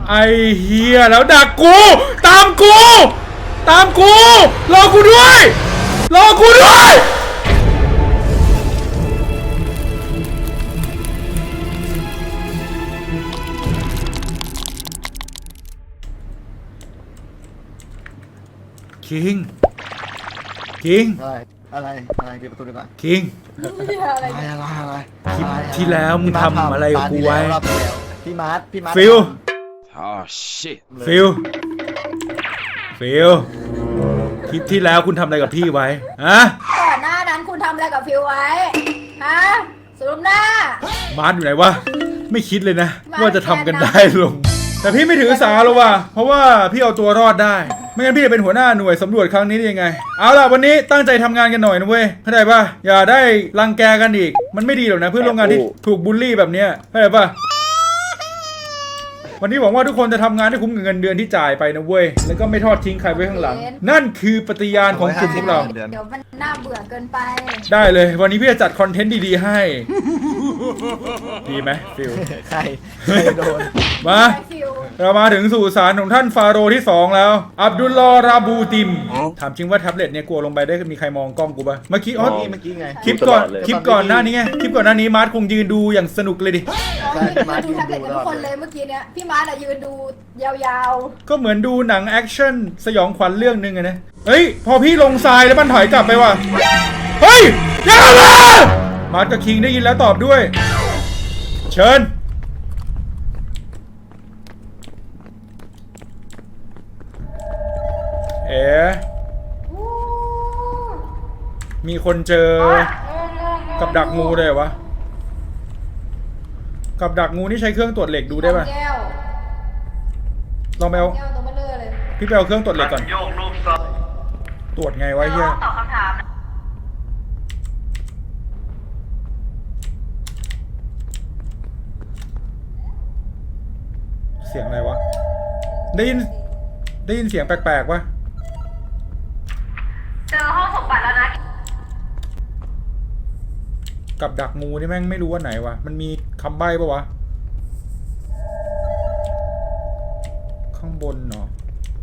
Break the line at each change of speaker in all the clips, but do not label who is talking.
ไอเฮียแล้วดักกูตามกูรอกูด้วยคิง
อะไรปิดประตูดีกว่า
คิง
อะไร
คลิปที่แล้วมึงทำอะไรกับกูไว้
พี่มาร์ท
ฟิลคลิปที่แล้วคุณทำอะไรกับพี่ไว้ฮะ
ก่อนหน้านั้นคุณทำอะไรกับฟิวไว้ฮะสรุปหน้า
มาร์ทอยู่ไหนวะไม่คิดเลยนะว่าจะทำกันได้ลงแต่พี่ไม่ถือสาหรอกว่ะเพราะว่าพี่เอาตัวรอดได้ไม่งั้นพี่จะเป็นหัวหน้าหน่วยสำรวจครั้งนี้ได้ยังไงเอาล่ะวันนี้ตั้งใจทำงานกันหน่อยนะเว้ยเข้าใจป่ะอย่าได้รังแกกันอีกมันไม่ดีหรอกนะเพื่อนร่วมงานที่ถูกบูลลี่แบบเนี้ยเข้าใจป่ะวันนี้หวังว่าทุกคนจะทำงานให้คุ้มกับเงินเดือนที่จ่ายไปนะเว้ยแล้วก็ไม่ทอดทิ้งใครไว้ข้างหลังนั่นคือปฏิญาณของกลุ่มพวกเรา
เดี๋ยวมันน่าเบื่อเกินไป
ได้เลยวันนี้พี่จะจัดคอนเทนต์ดีๆให้ดีไหมฟิล
ใครโดน
มาเรามาถึงสู่ศาลของท่านฟาโรห์ที่2แล้วอับดุลลอฮ์ราบูติมถามจริงว่าแท็บเล็ตเนี่ยกลัวลงไปได้มีใครมองกล้องกูป่ะเมื่อกี้
ไง
คลิปก่อนหน้านี้ไงคลิปก่อนหน้านี้มาร์ทคงยืนดูอย่างสนุกเลยดิ
มาดูแท็บเล็ตทุกคนเลยเมื่อกี้เนี้ยพี่มาร์ทยืนดูยาว
ๆก็เหมือนดูหนังแอคชั่นสยองขวัญเรื่องนึงไงนะเฮ้ยพอพี่ลงทรายแล้วมันถอยกลับไปว่ะเฮ้ยอย่ามามาร์ทกับคิงได้ยินแล้วตอบด้วยเชิญมีคนเจอกับดักงูเลยวะกับดักงูนี่ใช้เครื่องตรวจเหล็กดูได้ป่ะลองไปเอาพี่ไปเอาเครื่องตรวจเหล็กก่อนตรวจไงวะเฮียเสียงอะไรวะได้ยินเสียงแปลกๆวะ
เจอห้องสมบัติแล้วนะ
กับดักงูนี่แม่งไม่รู้ว่าไหนวะมันมีคำใบ้ปะวะข้างบนเนาะ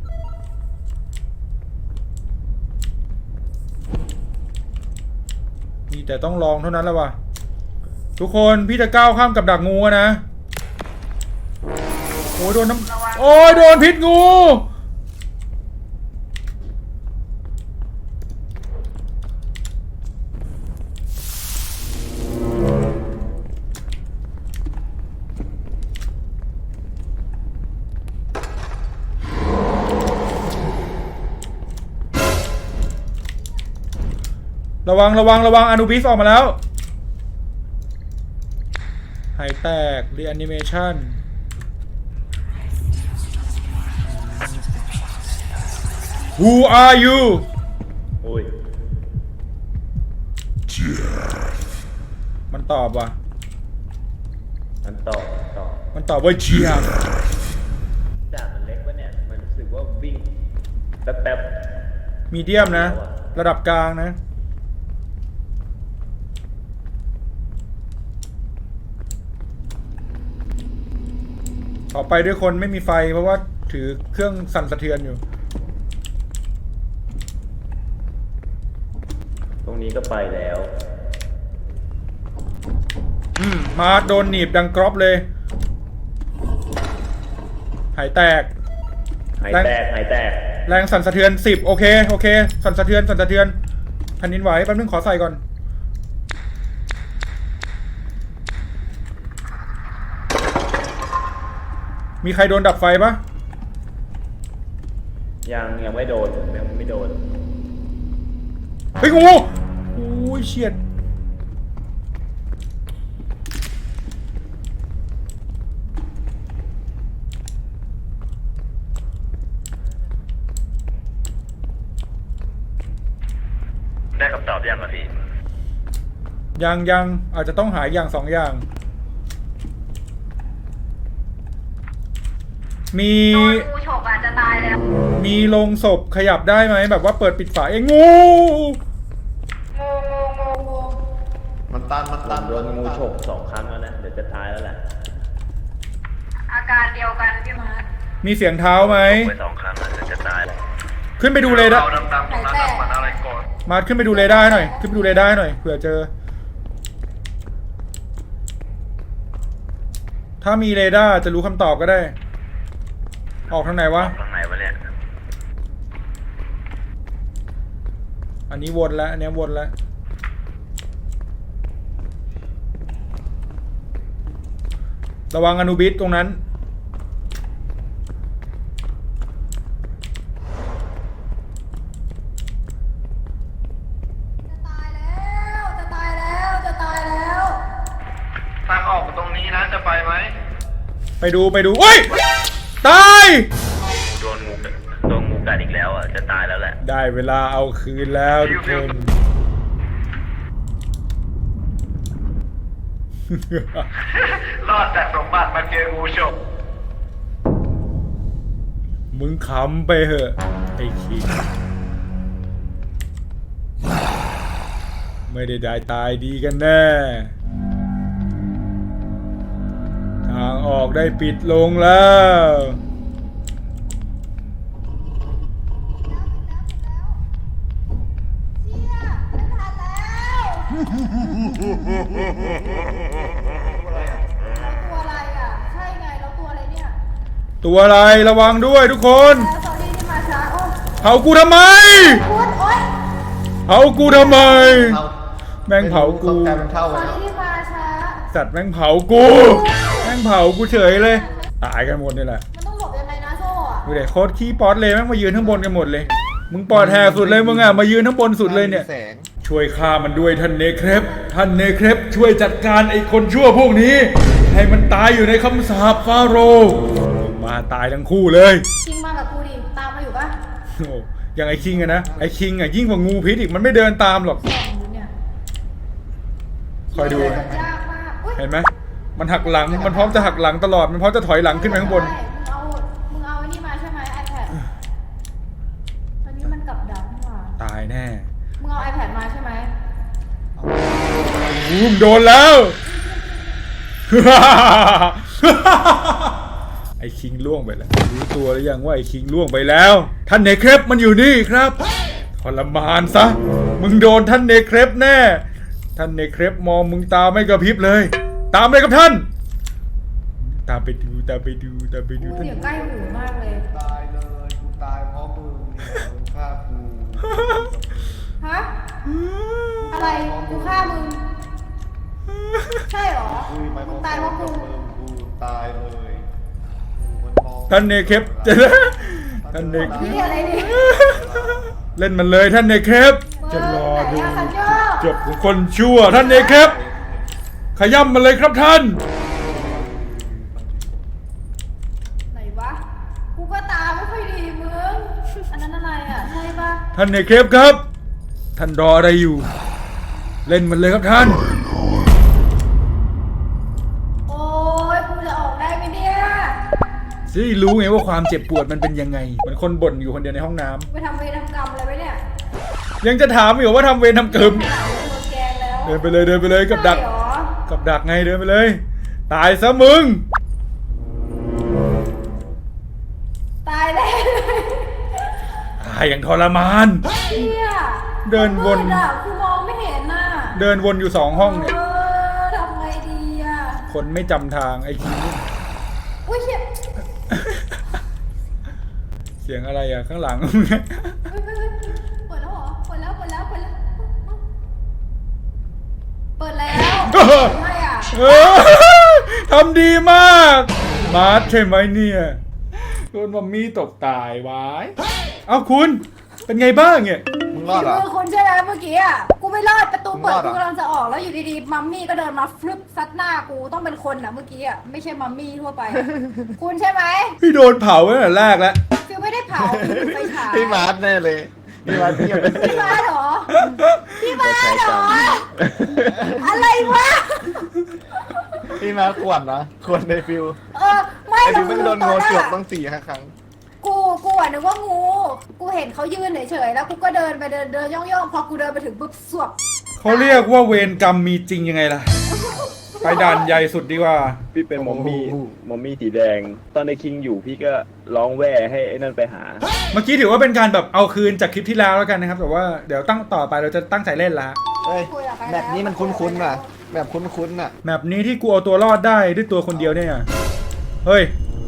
มีแต่ต้องลองเท่านั้นแล้ววะทุกคนพี่จะก้าวข้ามกับดักงูนะโอ้ยโดนโดนพิษงูระวังอนูบิสออกมาแล้วหายแตกรีแอนิเมชั่นWho are you
โอ้ย
มันตอบว่ะ
มันต
อบว่าเจียบ
จ่ามันเล็กวะเนี่ยมันรู้สึกว่าวิ่งแป๊บ
มีเดียมนะระดับกลางนะต่อไปด้วยคนไม่มีไฟเพราะว่าถือเครื่องสั่นสะเทือนอยู่
ตรงนี้ก็ไปแล้ว
มาโดนหนีบดังกรอบเลยหายแตกแรงสั่นสะเทือน10โอเคสั่นสะเทือนแผ่นดินไหวแป๊บนึงขอใส่ก่อนมีใครโดนดับไฟปะ
ยังไม่โดน
เฮ้ยงูโอ้ยเฉียด
ได้คำตอบยังพี่
ยังอาจจะต้องหาอย่าง2อย่างมี
งูฉกอาจจะตายแล้ว
มีโลงศพขยับได้ไหมแบบว่าเปิดปิดฝาเองงู
มันตัน
โดนงูฉก2 ครั้งแล้วนะเดี๋ยวจะตายแล้วแหละ
อาการเดียวกันพี่มาร์ท
มีเสียงเท้าไหม
ไป2 ครั้งแล้วจะตายแล้ว
ขึ้นไปดูเรดาร์
ดำๆตรงนั้นมันอะไรก่อน
มาขึ้นไปดูเรดาร์หน่อย ขึ้นไปดูเรดาร์หน่อย เผื่อเจอ ถ้ามีเรดาร์จะรู้คำตอบก็ได้ ออกทางไหนวะ
ทางไหนวะเนี่ย
อันนี้วนแล้ว อันนี้วนแล้ว ระวังอนุบิสตรงนั้น
จะตายแล้วจะตายแล้วจะตายแล้ว
ทางออกตรงนี้นะจะไปไหม
ไปดูโอ้ย ตาย
โดนงูกัดอีกแล้วอ่ะจะตายแล้วแหละ
ได้เวลาเอาคืนแล้วทุกคน
รอดแต่สมบัติมาเจองูฉก
มึงขำไปเหอะไอ้คิงไม่ได้ตายดีกันแน่ ทางออกได้ปิดลงแล้ว
เชี่ยไม่ทันแล้วตัวอะไรอ่ะใช่ไงแล้วตัวอะไรเนี่ย
ตัวอะไรระวังด้วยทุกคน
แล้วตอนนี้ที่มาช้าโอ้
เผากูทำไม
คุณโอ๊ย
เผากูทำไม
เท่า
แม่งเผากู
ต้องกลายเป็นเท่า
ต
ไป
อน
แล้ว
นี้ที่มาช้า
สัตว์แม่งเผากู แม่งเผากูเฉยเลย ตายกันหมดนี่แหละ
มันต้องหลบยังไงนะโซ่อะ
ดูเด็กโคตรขี้ป๊อตเลยแม่งมายืนข้างบนกันหมดเลย มึงปอดแหกสุดเลยมึงอ่ะมายืนข้างบนสุดเลยเนี่ย
แสง
ช่วยฆ่ามันด้วยท่านเนเครปท่านเนเครปช่วยจัดการไอ้คนชั่วพวกนี้ ให้มันตายอยู่ในคำสาปฟาโรห์มาตายทั้งคู่เลย
คิงมากับกูดิตามมาอยู่ปะ
โอ้อย่างไอ้คิงอะนะไอ้คิงอะยิ่งกว่างูพิษอีกมันไม่เดินตามหรอก
ส่องอยู่เนี่ย
คอยดู
ยากมากอุ๊ย
เห็นไหมมันหักหลังมันพร้อมจะหักหลังตลอดมันพร้อมจะถอยหลังขึ้นไปข้างบน
ใช่มึงเอาไอ้นี่มาใช่ไหม iPad ตอนนี้มันกลับดักนี่หว่า
ตายแน่
มึงเอา iPad มาใช่ไหม
อุ้มโดนแล้ว ไอ้คิงล่วงไปแล้วรู้ตัวหรือยังว่าไอ้คิงล่วงไปแล้ว ท่านเนเครปมันอยู่นี่ครับทรมานซะมึงโดนท่านเนเครปแน่ท่านเนเครปมองมึงตาไม่กระพริบเลย ตามเลยครับท่าน ตามไปดู
กู
ท่าน
เสียงใกล้หูมากเลย
ตายเลยกูตายเพราะมึงเนี่ยมึงฆ่ากู
ฮะ อะไร กูฆ่ามึง ใช่เหรอ
คุยไป
มึงตายเพราะกู
กูตายเลยกูมันมอง
ท่านเนเครปจะท่านเนเคร
นี่
ป
อะไรนี่
เล่นมันเลยท่านเนเครปจะรอดู
ไหนอะสัญญา
จบของคนชั่วท่านเนเครปขย่ำมันเลยครับท่าน
ไหนวะ กูก็ตาไม่ค่อยดีมึง อันนั้นอะไรอ่ะ ใช่ปะ
ท่านเนเครปครับ ท่านรออะไรอยู่ เล่นมันเลยครับท่าน
โอ้ยกูจะออกได้ไหมเนี่ย
จะได้รู้ไงว่าความเจ็บปวดมันเป็นยังไงเหมือนคนบ่นอยู่คนเดียวในห้องน้ำ
ไปทำเวรทำกรรมอะไรไว้เนี่ย
ยังจะถามอยู่ว่าทำเวรทำเกิม
ขนาดโดนแกงแล้ว
เดินไปเลยกับดัก
ใช่เหรอ
กับดักไงเดินไปเลย ตายซะมึง
ตายแล้ว
ตายอย่างทรมาน
เชี่ย
เดินวน
มืดอะกูมองไม่เห็นน่ะ
เดินวนอยู่2 ห้องเนี่ย
ทำไงดีอ่ะ
คนไม่จำทางไอ้คิง
อุ้ยเชี่ย
เสียงอะไรอ่ะข้างหลัง
เปิดแล้วเหรอ เปิดแล้ว เปิดแล้วไม่อ่ะ
เออทำดีมาก มาร์ทใช่ไหมเนี่ยโดนมัมมี่ตกตายวายเอ้าคุณ เป็นไงบ้างเนี่ย
มึงรอดเหรอ
มือคุณใช่ไหมเมื่อกี้อ่ะ กูไม่รอดประตูเปิด
มึงรอดเหร
กู
อ
กำลังจะออกแล้วอยู่ดีๆ มัมมี่ก็เดินมาฟลึบซัดหน้ากูต้องเป็นคนอ่ะเมื่อกี้อ่ะ ไม่ใช่มัมมี่ทั่วไป คุณใช่ไหม
พี่โดนเผาตั้งแต่แรกแล้ว
ฟิวไม่ได้เผาฟิวไปฉาย
พี่มาร์ทแน่เลยพี่มาร์ทเงียบไป
พี่มาเหรอ พี่มาเหรอ อะไรวะ
พี่มาร์ทขวนนะขวนในฟิว
ไม่
ไอ้
เรา
ฟิวไม่โดนงูจวกต้อง4-5 ครั้ง
กูอ่ะนึกว่างู กูเห็นเขายืนเฉยๆแล้วกูก็เดินไปเดินย่องๆพอกูเดินไปถึงปุ๊บสวบ
เขาเรียกว่าเวรกรรมมีจริงยังไงล่ะไปด่านใหญ่สุดดีกว่า
พี่เป็นมอมมี่สีแดง ตอนในคิงอยู่พี่ก็ร้องแว่ให้ไอ้นั่นไปหา
เมื่อกี้ถือว่าเป็นการแบบเอาคืนจากคลิปที่แล้วแล้วกันนะครับแต่ว่าเดี๋ยวตั้งต่อไปเราจะตั้งใจเล่นละ
เฮ้ย
คุยกับใคร
แบบนี้มันคุ้นๆน่ะ แบบคุ้นๆน่ะ
แมปนี้ที่กูเอาตัวรอดได้ด้วยตัวคนเดียวเนี่ยเฮ้ย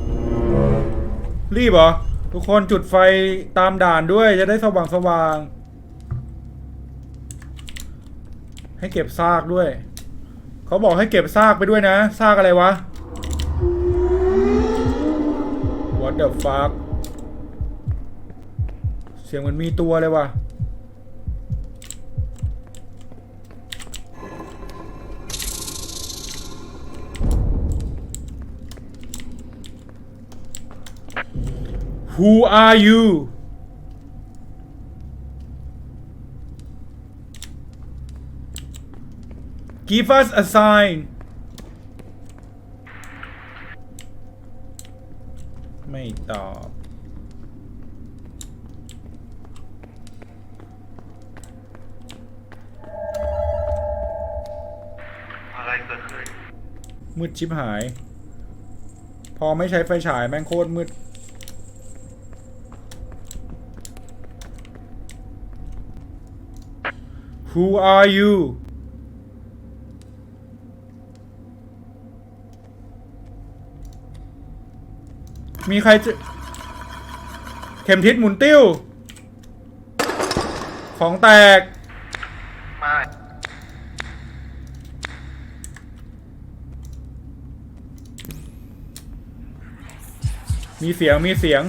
รีบเหรอทุกคนจุดไฟตามด่านด้วยจะได้สว่างให้เก็บซากด้วยเขาบอกให้เก็บซากไปด้วยนะซากอะไรวะ What the fuck เสียงเหมันมีตัวเลยว่ะ Who are you Give us a sign ไม่ตอบ
อะไรเกิดขึ้น
มืดชิบหาย พอไม่ใช้ไฟฉายแม่งโคตรมืด Who are you มีใครจะเข็มทิศหมุนติ้ว ของแตก
ไม่
มีเสียง มีเสียง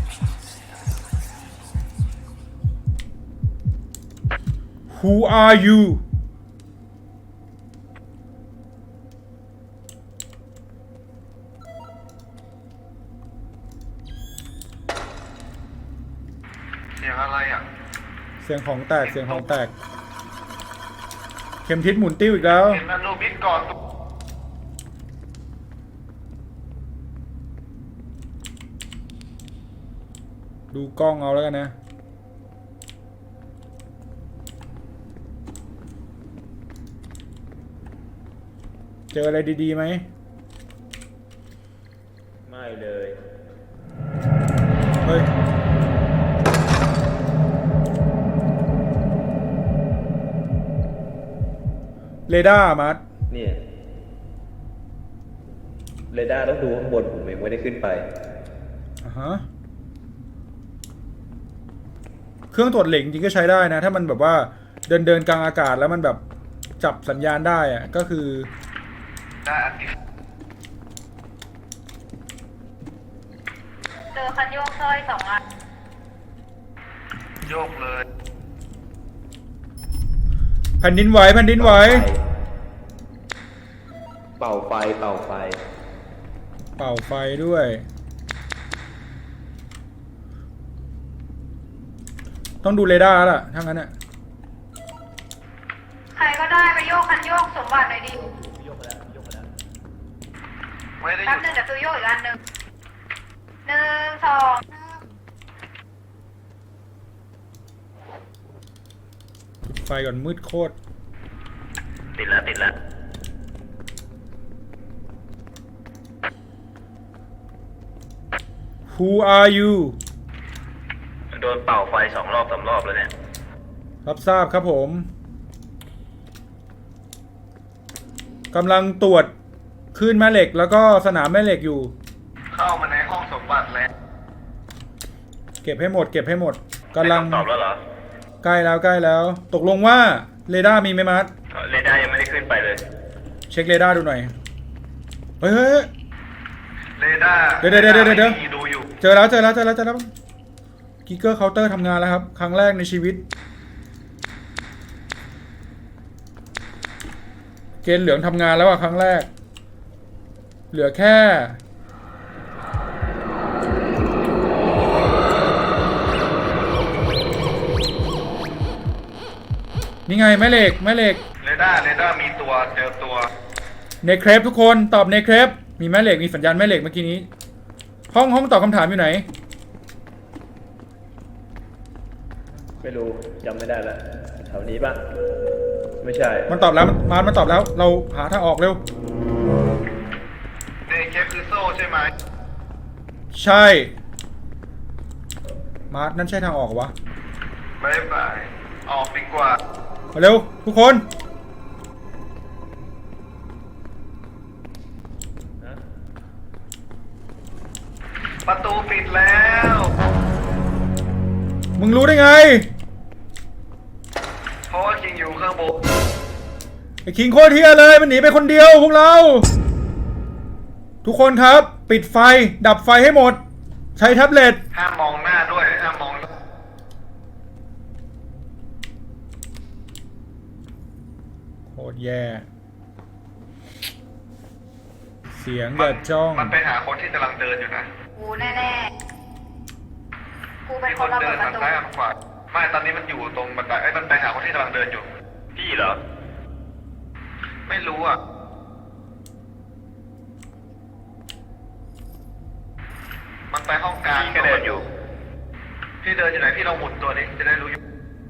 Who are you
เสียงอะไรอ่ะ
เสียงของแตก เสียงของแตก เข็มทิศหมุนติ้วอีกแล้ว
เห็นอนุบิดก่อน
ดูกล้องเอาแล้วกันนะ เจออะไรดีๆไหม
ไม่เลย
เฮ้ย เรดาร์มัด
เนี่ยเรดาร์ต้องดูข้างบนผมเองไม่ได้ขึ้นไป
อ่าฮะ เครื่องตรวจเหล็กจริงก็ใช้ได้นะ ถ้ามันแบบว่าเดินกลางอากาศแล้วมันแบบจับสัญญาณได้อะก็คือ
ได้อันที่
เจอคันโยกสร้อย2 อัน
โยกเลย
แผ่นดินไหวแผ่นดินไหว
เป่าไฟ เป่าไฟ
เป่าไฟด้วย ต้องดูเรดาร์ล่ะถ้างั้นอะ
ใครก็ได้ไปโยกคันโยกสมบัติหน่อยดิ
ไม่ได้ห
แป๊บ
ยุด
นึงเดี๋ยวฟิวโยกอีกอันหนึ่ง1 2
จุดไฟก่อนมืดโคตร
ติดแล้ว ติดแล้ว
Who are you
โดนเป่าไฟ2 รอบ 3 รอบแล้วเนี่ย
รับทราบครับผมกำลังตรวจคลื่นแม่เหล็กแล้วก็สนามแม่เหล็กอยู่
เข้ามาในห้องสมบัติแล้ว
เก็บให้หมด เก็บให้หมดกำลัง
ตอบแล้วเหรอ
ใกล้แล้วใกล้แล้ว ตกลงว่าเรดาร์มีไหมมัด
เรดาร์ยังไม่ได้ขึ้นไปเลย
เช็คเรดาร์ดูหน่อย เฮ้ยเฮ้ย
เรดาร์
เดี๋ยว
ดูอยู่
เจอแล้วกิกเกอร์เคาน์เตอร์ทำงานแล้วครับ ครั้งแรกในชีวิต เกณฑ์เหลืองทำงานแล้วอะครั้งแรก เหลือแค่ นี่ไงแม่เหล็ก
เรดาร์มีตัว เจอตัว
เนเครปทุกคนตอบเนเครปมีแม่เหล็กมีสัญญาณแม่เหล็กเมื่อกี้นี้ ห้องตอบคำถามอยู่ไหน
ไม่รู้จำไม่ได้ละแถวนี้ปะไม่ใช่
มันตอบแล้วมันตอบแล้ว เราหาทางออกเร็ว
ใช่ไหม
ใช่ มาร์ทนั่นใช่ทางออกเหรอวะ
บ๊ายบายออกดีกว่า
มาเร็วทุกคน
ประตูปิดแล้ว
มึงรู้ได้ไง
เพราะว่าคิงอยู่ข้างบน
ไอ้คิงโคตรเฮียเลยมันหนีไปคนเดียวพวกเรา ทุกคนครับ ปิดไฟ ดับไฟให้หมด ใช้แท็บเล็ต
ห้ามมองหน้าด้วยห้ามมอง
โคตรแย่ เสียงแบบจ้อง
มันไปหาคนที่กำลังเดินอยู่นะ
กูแน่ๆ กูเป็น
มี
ค
คน น
ระ
เดิ
เบิด
น
ประ
ทาง
ตู
ซ้ายทางขวาไม่ตอนนี้มันอยู่ตรงบันไดไอ้ยมันไปหาคนที่กำลังเดินอยู่พี่เหรอไม่รู้อ่ะมันไปห้องกลางพี่เดินอยู่พี่เดินอยู่ไหนพี่ลองหมุนตัวนี้จะได้รู้อยู่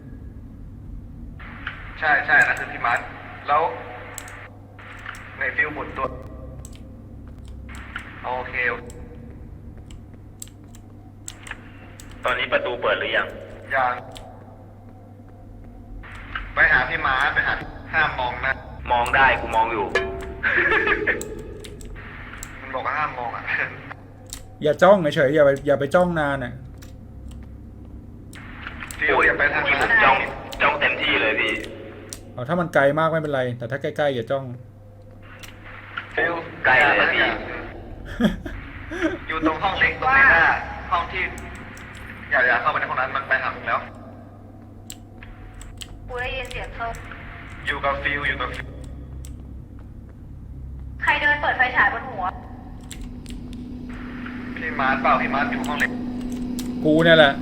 ใช่ใช่นั่นคือพี่มาร์ทแล้วในฟิลหมุนตัวโอเค
ตอนนี้ประตูเปิดหรือยัง
ยังไปหาพี่ม้าไปหาห้ามมองนะ
มองได้กูมองอยู่
มันบอกว่าห้ามมองอ่ะ
อย่าจ้องเฉยๆอย่าไปจ้องนานอ่ะ
ฟิวอย่าไปทาง
ที่
นั้
ผ
น
มจ้องเต็มที่เลยพี่
เอาถ้ามันไกลมากไม่เป็นไร แต่ถ้าใกล้ๆอย่าจ้อง
ฟิว
ใกล้เลยพี่
อยู่ตรงห้องเล็กตรงนี้หน้าห้องที่อย่าเข้าไปในห้องนั้นมันไปหาผมแล้ว
กูได้ยินเสียงโซ่
อยู่กับฟิวอยู่กับฟิว
ใครเดินเปิดไฟฉายบนหัว
พี่มาร์ทเปล่าพี่มาร์ทอยู่ห้องเล็ก
กูเนี่ยแหละ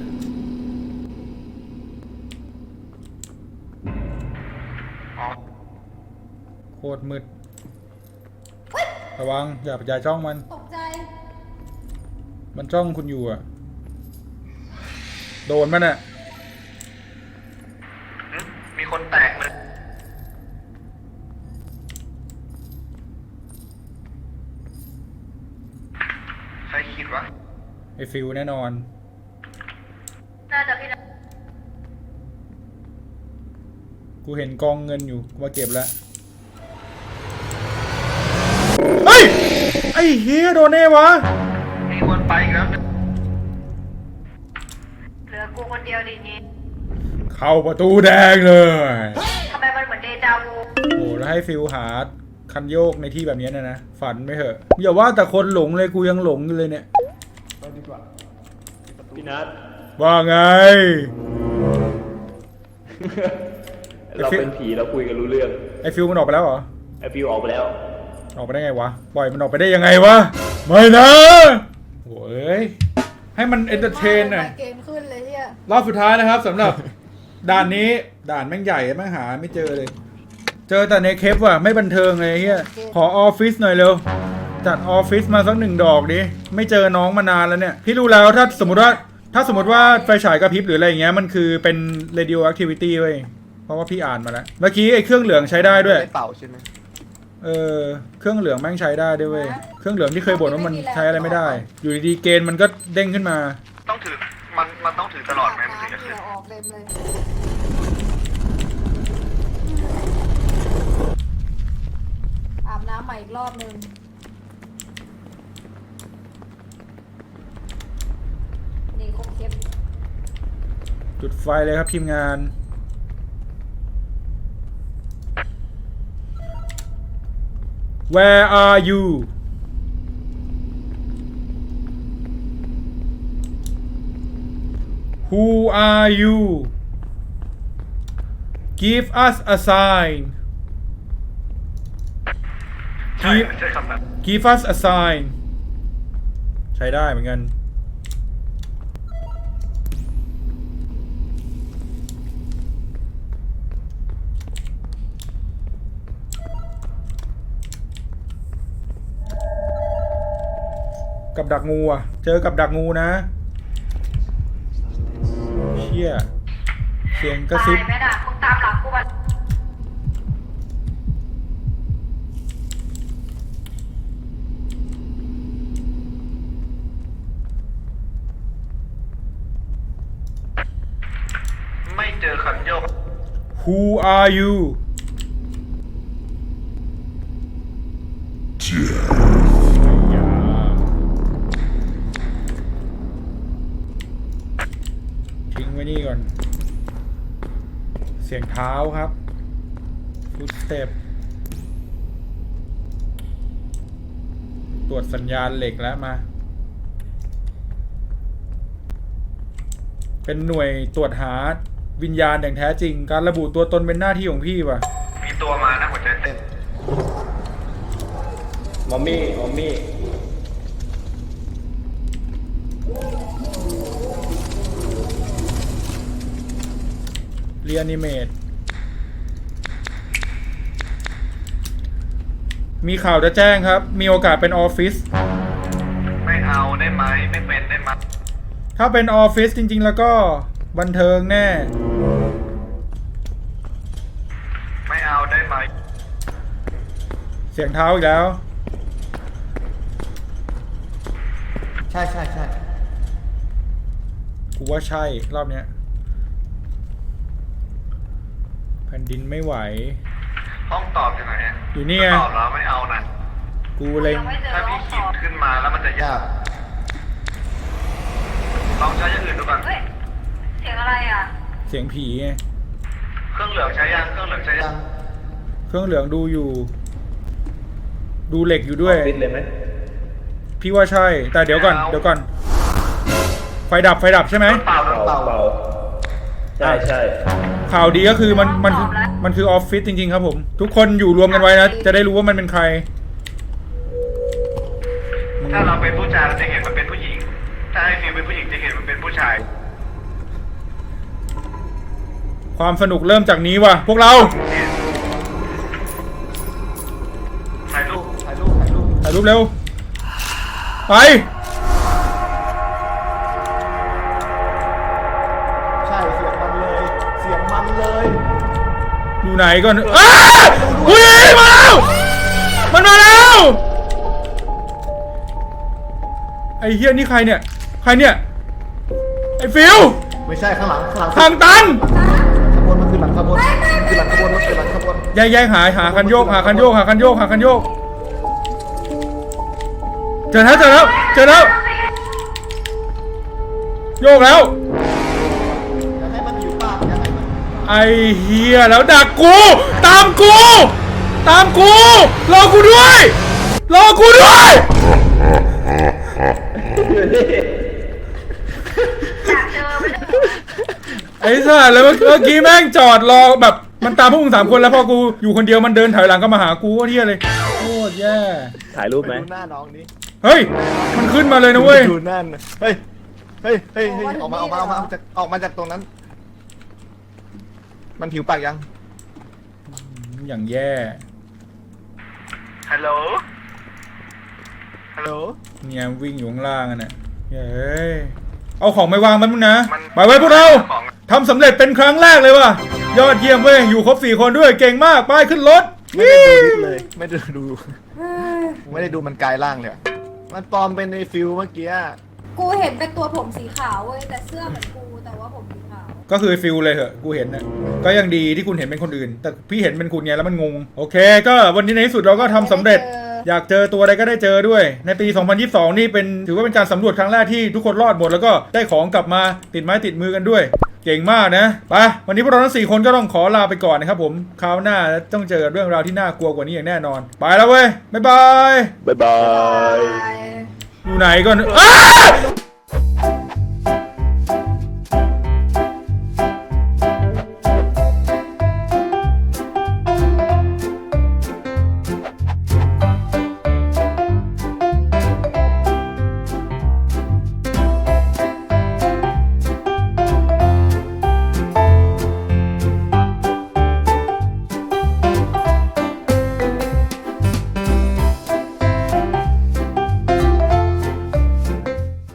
อ๋อ
โคตรมืด ระวังอย่าจ้องมัน
ตกใจ
มันจ้องคุณอยู่อ่ะ โดนมันอ่ะ
หึมีคนแตกเลยใครคิดวะ
ไอ้ฟิวแน่นอน
น่าจะพี่
กูเห็นกองเงินอยู่กูมาเก็บแล้ว เฮ้ย ไอ้เฮียโดนแน่วะ
มีคนไปอีกแล้ว
เหลือกูคนเดียวดีนี้
เข้าประตูแดงเลย
ทำไมมันเหมือนเดจาวู
โอ้แล้วให้ฟิวหาคันโยกในที่แบบนี้นะ ฝันไม่เหอะ อย่าว่าแต่คนหลงเลยกูยังหลงอยู่เลยเนี่ย
พี่นัท
ว่าไง
เราเป็นผีเราคุยกันรู้เรื่อง
ไอ้ฟิวมันออกไปแล้วเหรอ
ไอฟิวออกไปแล้ว
ออกไปได้ไงวะ ปล่อยมันออกไปได้ยังไงวะ ไม่นะโว้ย ให้มันเอนเตอร์เทนหน่อย
เกมขึ้นเลยเนี่ย
รอบสุดท้ายนะครับสำหรับ ด่านนี้ด่านแม่งใหญ่แม่งหาไม่เจอเลย เจอแต่ในเคปว่ะไม่บันเทิงเลยเฮียขอออฟฟิศหน่อยเร็ว จัดออฟฟิศมาสัก1 ดอกดิ ไม่เจอน้องมานานแล้วเนี่ย พี่รู้แล้วถ้าสมมติว่าไฟฉายกระพริบหรืออะไรอย่างเงี้ยมันคือเป็น radioactivity เว้ยเพราะว่าพี่อ่านมาแล้ว เมื่อกี้ไอ้เครื่องเหลืองใช้ได้ด้วย
ไม่เป่าใช่ไหม
เครื่องเหลืองแม่งใช้ได้ด้วยเว้ยเครื่องเหลืองที่เคยบ่นว่ามันใช้อะไรไม่ได้ อยู่ดีๆเกณฑ์มันก็เด้งขึ้นมา
ต้องถือมันต้องถือตลอดไหมมันถึงจะขึ้น
ออกเต็มเลยอาบน้ำใหม่อีกรอบนึง นี่ครบเคป
จุดไฟเลยครับทีมงาน Where are you Who are you Give us a sign
ใช่ใช่คำนั้น
Give us a sign ใช้ได้เหมือนกัน กับดักงูอ่ะ เจอกับดักงูนะ เชี่ยเสียงกระซิบ
ตายไหมน่ะมึงตามหลังกูมา
ม
เจอคันโยก
Who are you ทิ้งไว้นี่ก่อน เสียงเท้าครับ ฟุตสเต็ปตรวจสัญญาณเหล็กแล้วมา เป็นหน่วยตรวจหาวิญญาณอย่างแท้จริง การระบุตัวตนเป็นหน้าที่ของพี่ว่ะ
มีตัวมานะหัวใจเต้น
มอมมี่
เรียนิเมตมีข่าวจะแจ้งครับ มีโอกาสเป็นออฟฟิศ
ไม่เอาได้ไหมไม่เป็นได้ไหม
ถ้าเป็นออฟฟิศจริงๆแล้วก็บันเทิงแน่
ไม่เอาได้ไหม
เสียงเท้าอีกแล้ว
ใช่ใช่ใช่
กูว่าใช่รอบเนี้ยแผ่นดินไม่ไหว
ห้องตอบอยู่ไหนอะ
อยู่นี่ไง
ตอบแล้วไม่เอานะ
กูเล็ง
ยังไม่เจอ
ถ้า
ห้
พี่
องส
ขี
อ
ด
บ
ขึ้นมาแล้วมันจะยากลองใช้อย่างอื่นดูก่อน
เฮ้ย เสียงอะไรอ่ะ
เสียงผีไง
เครื่องเหลืองใช้ยังเครื่องเหลืองใช้ยัง
เครื่องเหลืองดูอยู่ ดูเหล็กอยู่ด้วย
ปิดเลยไหม
พี่ว่าใช่ แต่เดี๋ยวก่อน ไฟดับใช่ไหม
เปล่าโดนเปล่า
เปล่าใช่
ข่าวดีก็คือมันคือออฟฟิศจริงๆครับผม ทุกคนอยู่รวมกันไว้นะ จะได้รู้ว่ามันเป็นใคร
ถ้าเราเป็นผู้ชายเราจะเห็นมันเป็นผู้หญิง ถ้าให้ฟิลเป็นผู้หญิงจะเห็นมันเป็นผู้ชาย
ความสนุกเริ่มจากนี้ว่ะ พวกเรา
ถ่ายรูป
ถ่ายรูปเร็ว ไป
ใช่เสียงมันเลยเสียงมันเลย
อยู่ไหนก่อนอ้าอุ้ยมาแล้ว มันมาแล้ว ไอ้เฮียนี่ใครเนี่ย ไอ้ฟิว
ไม่ใช่ข้างหลัง
ทางตัน
ขบวนมันคือหลังขบวนคือหลังขบวนมันคือหลังขบวน
แยกหาคันโยกเจอแล้วโยกแล้ว
อย่าให้มันอยู่ปากอย่าให้มัน
ไอ้เฮียแล้วดักกู ตามกู รอกูด้วย
อยากเจอไม่ได้
ไอ้สัสแล้วเมื่อกี้แม่งจอดรอแบบมันตามพวกมึง3 คนแล้วพอกูอยู่คนเดียวมันเดินถอยหลังก็มาหากูว่าเฮียเลยโคตรแย่
ถ่ายรูป
ไป
ไหม
ดูหน้าน้องนี้
เฮ้ย มันขึ้นมาเลยนะเว้ย
ดูหน้าน่ะเฮ้ยออกมาจากตรงนั้น มันผิวปากยัง
อย่างแย่
ฮัลโหล
ฮัลโหล
เนี่ยวิ่งอยู่ข้างล่างอ่ะเนี่ยเฮ้ยเอาของไปวางมันมึงนะ
มัน
ไปไว้พวกเรา
ของ
ทำสำเร็จเป็นครั้งแรกเลยว่ะยอดเยี่ยมเว้ยอยู่ครบ4 คนด้วยเก่งมากไปขึ้นรถ
ไม่ได้ดูนิดเลยไม่ได้ดูมันกลายร่างเลยอะมันปลอมเป็นในฟิลเมื่อกี้อะ
กูเห็นเป็นตัวผมสีขาวเว้ย แต่เสื้อเหมือนกู แต่ว่าผมสีขาว
ก็คือฟิลเลยเหอะกูเห็นนะก็ยังดีที่คุณเห็นเป็นคนอื่น แต่พี่เห็นเป็นคุณไงแล้วมันงงโอเค ก็วันนี้ในที่สุดเราก็ทำสำเร็จ อยากเจอตัวอะไรก็ได้เจอด้วย ในปี 2022 นี่เป็นถือว่าเป็นการสำรวจครั้งแรกที่ทุกคนรอดหมดแล้วก็ได้ของกลับมาติดไม้ติดมือกันด้วย เก่งมากนะไปวันนี้พวกเราทั้ง4 คนก็ต้องขอลาไปก่อนนะครับผมคราวหน้าต้องเจอเรื่องราวที่น่ากลัวกว่านี้อย่างแน่นอนไปแล้วเว้ยบ๊ายบาย
บ๊ายบาย
อยู่ไหนก่อนอ้า